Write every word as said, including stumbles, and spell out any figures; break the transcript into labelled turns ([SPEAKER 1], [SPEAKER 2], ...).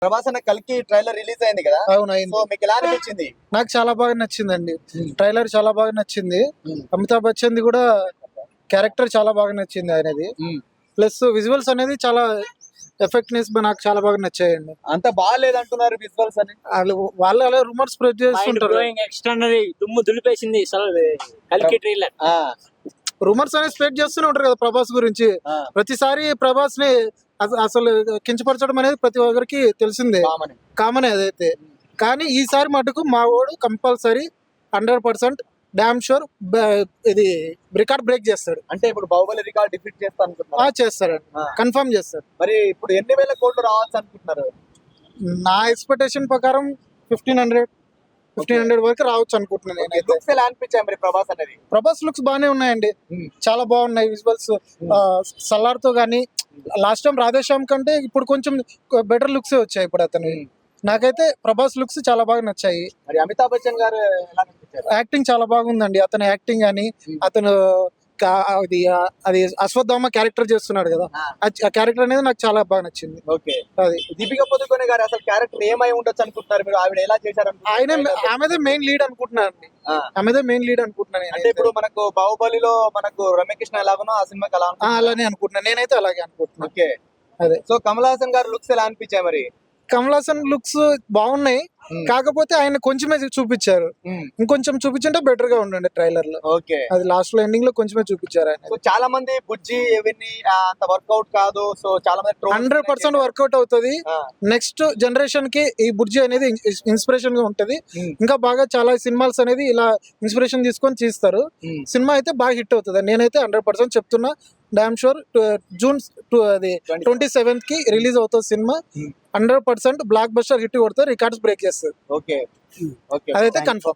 [SPEAKER 1] ప్రభాస్ అన్న కల్కి trailer release అయింది కదా.
[SPEAKER 2] అవును అయింది.
[SPEAKER 1] సో మీకు ఎలా అనిపించింది?
[SPEAKER 2] నాకు చాలా బాగా నచ్చిందండి. ట్రైలర్ చాలా బాగా నచ్చింది. అమితాబ్ బచ్చన్ ది కూడా క్యారెక్టర్ చాలా బాగా నచ్చింది ఆయనది. ప్లస్ విజువల్స్ అనేది చాలా ఎఫెక్ట్నెస్ నాకు చాలా బాగా నచ్చాయండి.
[SPEAKER 1] అంత బాగాలేదు అంటున్నారు విజువల్స్ అని.
[SPEAKER 2] వాళ్ళు వాళ్ళు అలా రూమర్స్ స్ప్రెడ్ చేస్తుంటారు.
[SPEAKER 3] ఎక్స్ట్రానరీ దుమ్ము దులిపేసింది అసలు కల్కి ట్రైలర్.
[SPEAKER 2] రూమర్స్ అనేది స్ప్రెడ్ చేస్తూనే ఉంటారు కదా ప్రభాస్ గురించి. ప్రతిసారి ప్రభాస్ ని అస- అసలు కించపరచడం అనేది ప్రతి ఒక్కరికి తెలిసిందే, కామన్ అదైతే. కానీ ఈసారి మటుకు మా వాడు compulsory hundred percent damn sure ఇది రికార్డ్ బ్రేక్ చేస్తాడు.
[SPEAKER 1] అంటే ఇప్పుడు బాహుబలి రికార్డ్ డిఫీట్ చేస్తా
[SPEAKER 2] ఆ,
[SPEAKER 1] అనుకుంటున్నారు.
[SPEAKER 2] చేస్తాడండి, కన్ఫర్మ్ చేస్తాడు.
[SPEAKER 1] మరి ఇప్పుడు ఎన్ని వేల కోట్లు రావచ్చు అనుకుంటున్నారు?
[SPEAKER 2] నా ఎక్స్పెక్టేషన్ ప్రకారం ఫిఫ్టీన్ హండ్రెడ్ ఫిఫ్టీన్ హండ్రెడ్ వరకు రావచ్చు అనుకుంటున్నాను నేనైతే.
[SPEAKER 1] లుక్స్ ఎలా అనిపించాయి మరి ప్రభాస్ అనేది?
[SPEAKER 2] ప్రభాస్ లుక్స్ బాగానే ఉన్నాయండి, చాలా బాగున్నాయి విజువల్స్. సల్లార్ తో గానీ లాస్ట్ టైం రాధేశ్యామ్ కంటే ఇప్పుడు కొంచెం బెటర్ లుక్స్ వచ్చాయి ఇప్పుడు అతను. నాకైతే ప్రభాస్ లుక్స్ చాలా బాగా నచ్చాయి.
[SPEAKER 1] మరి అమితాబ్ బచ్చన్ గారు ఎలా అనిపించారు?
[SPEAKER 2] యాక్టింగ్ చాలా బాగుందండి, అతని యాక్టింగ్ అని. అతను కా- అది అది అశ్వత్థామ క్యారెక్టర్ చేస్తున్నాడు కదా, ఆ క్యారెక్టర్ అనేది నాకు చాలా బాగా నచ్చింది.
[SPEAKER 1] ఓకే.
[SPEAKER 2] అది
[SPEAKER 1] దీపిక పదుకొనే గారు అసలు క్యారెక్టర్ ఏమై ఉండొచ్చు అనుకుంటున్నారు మీరు? ఆవిడ ఎలా చేశారు
[SPEAKER 2] ఆయన ఆమెదే మెయిన్ లీడ్ అనుకుంటున్నాను అండి. ఆమెదే మెయిన్ లీడ్ అనుకుంటున్నాను
[SPEAKER 1] అంటే
[SPEAKER 2] నేనైతే.
[SPEAKER 1] ఇప్పుడు మనకు బాహుబలిలో మనకు రమ్యకృష్ణ ఎలాగనో ఆ సినిమాకి అలా
[SPEAKER 2] ఆ,
[SPEAKER 1] అనుకుంటున్నారా?
[SPEAKER 2] అలానే అనుకుంటున్నాను నేనైతే, అలాగే అనుకుంటున్నాను.
[SPEAKER 1] ఓకే.
[SPEAKER 2] అదే
[SPEAKER 1] సో కమల్ హాసన్ గారు లుక్స్ ఎలా అనిపించాయి మరి?
[SPEAKER 2] కమల్ హాసన్ లుక్స్ బాగున్నాయి, కాకపోతే ఆయన కొంచెమే చూపించారు. ఇంకొంచెం చూపించుంటే బెటర్ గా ఉండండి ట్రైలర్ లో.
[SPEAKER 1] ఓకే.
[SPEAKER 2] అది లాస్ట్ లో ఎండింగ్ లో కొంచెమే చూపించారు ఆయన.
[SPEAKER 1] సో చాలా మంది బుజ్జి ఇవన్నీ ఆ, అంత వర్కౌట్ కాదు. సో చాలా మంది trolls
[SPEAKER 2] హండ్రెడ్ పర్సెంట్ వర్కౌట్ అవుతుంది.
[SPEAKER 1] ఆ,
[SPEAKER 2] నెక్స్ట్ జనరేషన్ కి ఈ బుర్జీ అనేది ఇన్స్పిరేషన్ గా ఉంటది.
[SPEAKER 1] ఉమ్,
[SPEAKER 2] ఇంకా బాగా చాలా సినిమాస్ అనేది ఇలా ఇన్స్పిరేషన్ తీసుకొని తీస్తారు.
[SPEAKER 1] ఉమ్.
[SPEAKER 2] సినిమా అయితే బాగా హిట్ అవుతుంది నేనైతే హండ్రెడ్ పర్సెంట్ చెప్తున్నా. డామ్ షూర్ జూన్ టు- అది ట్వంటీ సెవెంత్ కి రిలీజ్ అవుతుంది సినిమా.
[SPEAKER 1] Hmm.
[SPEAKER 2] Hundred percent blockbuster hit కొడుతుంది, రికార్డ్స్ బ్రేక్ చేస్తుంది.
[SPEAKER 1] ఓకే. ఓకే.
[SPEAKER 2] అదైతే కన్ఫర్మ్.